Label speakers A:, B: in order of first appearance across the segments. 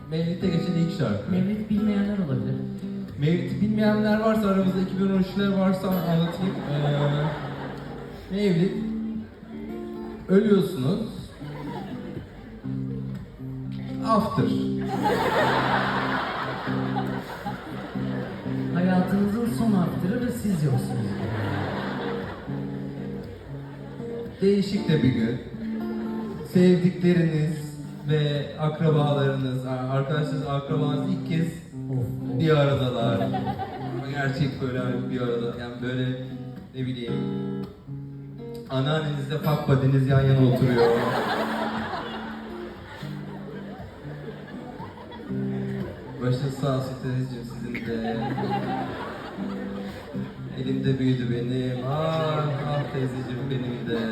A: Mevlid'de geçen ilk şarkı.
B: Mevlid bilmeyenler olabilir.
A: Mevlid'i bilmeyenler varsa, aramızda 2013'ler varsa anlatayım. Mevlid, ölüyorsunuz. After.
B: Hayatınızın son after'ı ve siz yoksunuz.
A: Değişik de bir gün. Sevdikleriniz ve akrabalarınız, arkadaşlarınız, akrabanız ilk kez bir aradalar. Gerçek böyle hani bir arada, yani böyle ne bileyim, anneannenizle fuck buddy'niz yan yana oturuyor. Başınız sağ olsun teyzeciğim, sizin de. Elimde büyüdü benim, ah teyzeciğim benim de.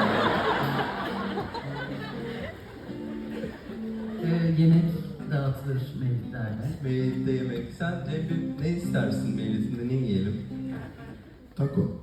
B: Yemek dağıtılır mevlidlerde.
A: Mevlid'de yemek. Sen Cem, ne istersin Mevlid'inde, ne yiyelim?
C: Taco.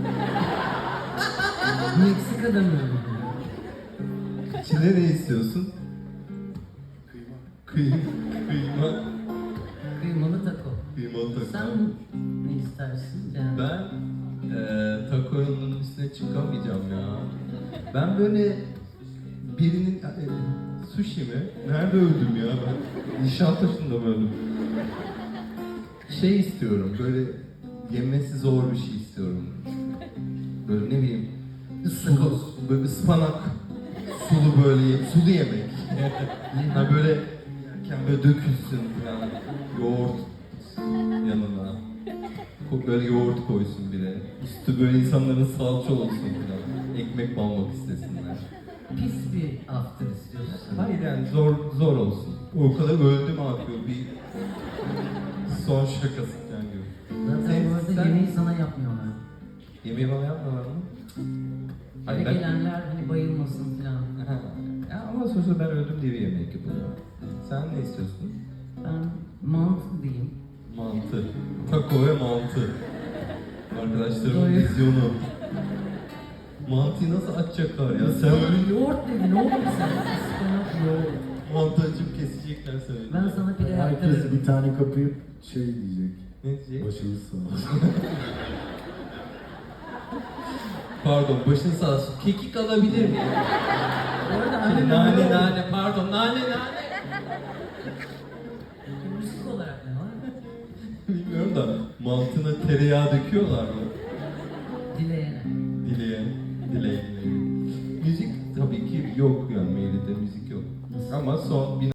B: Meksika'da mı öyle?
A: İçine ne istiyorsun? Kıyma. Kıyma.
B: Kıymalı taco.
A: Kıymalı taco.
B: Sen ne istersin? Yani
A: Ben takonun üstüne çıkamayacağım ya. Ben böyle birinin sushi mi? Nerede öldüm ya ben? Nişantaşı'nda mı öldüm? Şey istiyorum, böyle yemesi zor bir şey istiyorum. Böyle ne bileyim, sulu, böyle ıspanak, sulu böyle, sulu yemek. Ha böyle yerken böyle dökülsün falan, yoğurt yanına. Böyle yoğurt koysun biri. Üstü böyle insanların salça olsun falan. Ekmek banmak istesinler.
B: pis bir after istiyorsun.
A: Hayır yani zor olsun. O kadar öldüm abi, bir son şakası falan gibi.
B: Zaten bu arada
A: Sen-
B: yemeği sana yapmıyorlar.
A: Yemeği bana yapmıyorlar mı?
B: Eve
A: ben...
B: gelenler hani bayılmasın falan.
A: Ya ama sonuçta ben öldüm diye bir yemek yapılıyor. Sen ne istiyorsun?
B: Ben mantı diyeyim.
A: Mantı. Taco ve mantı. Arkadaşlarımın
B: Doyum.
A: vizyonu. Mantıyı nasıl açacaklar ya? Sen öyle
B: Yoğurt dedin oğlum sen. Ispanak yoğurt.
A: mantı açıp kesecekler seni.
B: Ben sana pide
C: Herkes
B: yaptırırım.
C: bir tane kapıyıp şey diyecek.
A: Ne diyecek?
C: Başınız sağ olsun.
A: Pardon, başın sağ olsun. Kekik alabilir miyim?
B: Bu arada annem
A: Nane, pardon, nane.
B: müzik olarak ne var?
A: Bilmiyorum da mantına tereyağı döküyorlar mı?
B: Dileyene.
A: Dileğe. Müzik tabii ki yok yani, Mevlid'de müzik yok. Ama son